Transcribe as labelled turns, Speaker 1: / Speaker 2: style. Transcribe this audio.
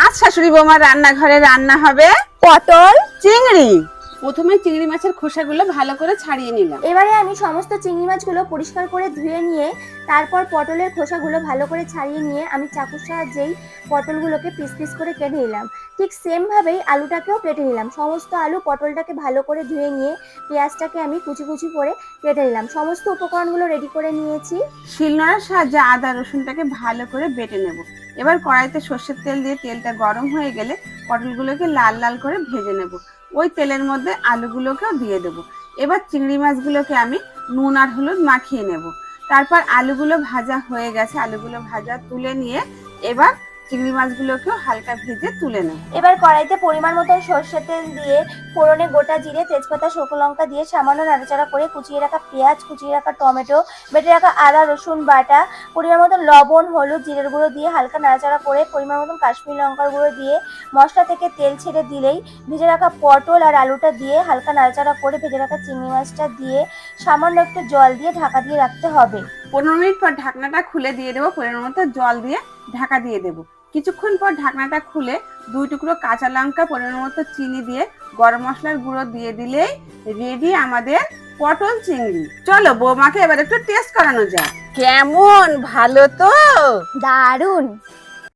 Speaker 1: আজ শাশুড়ি বৌমার রান্নাঘরে রান্না হবে
Speaker 2: পটল।
Speaker 1: চিংড়ি। প্রথমে চিংড়ি মাছের খোসাগুলো ভালো করে ছাড়িয়ে নিলাম।
Speaker 2: এবারে আমি সমস্ত চিংড়ি মাছগুলো পরিষ্কার করে ধুয়ে নিয়ে তারপর পটলের খোসাগুলো ভালো করে ছাড়িয়ে নিয়ে আমি চাকুর সাহায্যেই পটলগুলোকে পিস পিস করে কেটে নিলাম। ঠিক সেম ভাবেই আলুটাকেও কেটে নিলাম। সমস্ত আলু পটলটাকে ভালো করে ধুয়ে নিয়ে পেঁয়াজটাকে আমি কুচি কুচি করে কেটে নিলাম। সমস্ত উপকরণগুলো রেডি করে নিয়েছি।
Speaker 1: শিলনোড়ার সাহায্যে আদা রসুনটাকে ভালো করে বেটে নেব। এবার কড়াইতে সর্ষের তেল দিয়ে তেলটা গরম হয়ে গেলে পটলগুলোকে লাল লাল করে ভেজে নেব। ওই তেলের মধ্যে আলুগুলোকেও দিয়ে দেবো। এবার চিংড়ি মাছগুলোকে আমি নুন আর হলুদ মাখিয়ে নেব। তারপর আলুগুলো ভাজা হয়ে গেছে, আলুগুলো ভাজা তুলে নিয়ে এবার চিংড়ি মাছগুলোকেও হালকা ভেজে তুলে নেব।
Speaker 2: এবার কড়াইতে পরিমাণ মতন সর্ষের তেল দিয়ে ফোড়নে গোটা জিরে, তেজপাতা, শুকনো লঙ্কা দিয়ে সামান্য নাড়াচাড়া করে কুচিয়ে রাখা পেঁয়াজ, কুচিয়ে রাখা টমেটো, বেটে রাখা আদা রসুন বাটা, পরিমাণ মতন লবণ, হলুদ, জিরের গুঁড়ো দিয়ে হালকা নাড়াচাড়া করে পরিমাণ মতন কাশ্মীরি লঙ্কার গুঁড়ো দিয়ে মশলা থেকে তেল ছেড়ে দিলেই ভেজে রাখা পটল আর আলুটা দিয়ে হালকা নাড়াচাড়া করে ভেজে রাখা চিংড়ি মাছটা দিয়ে সামান্য একটু জল দিয়ে ঢাকা দিয়ে রাখতে হবে।
Speaker 1: 15 মিনিট পর ঢাকনাটা খুলে দিয়ে দেবো। পরিমাণ মতো জল দিয়ে ঢাকা দিয়ে দেবো। কিছুক্ষণ পর ঢাকনাটা খুলে 2 টুকরো কাঁচা লঙ্কা, পরিমাণ মতো চিনি দিয়ে গরম মশলার গুঁড়ো দিয়ে দিলেই রেডি আমাদের পটল চিংড়ি। চলো বৌমাকে এবার একটু টেস্ট করানো যায়। কেমন, ভালো তো?
Speaker 2: দারুণ।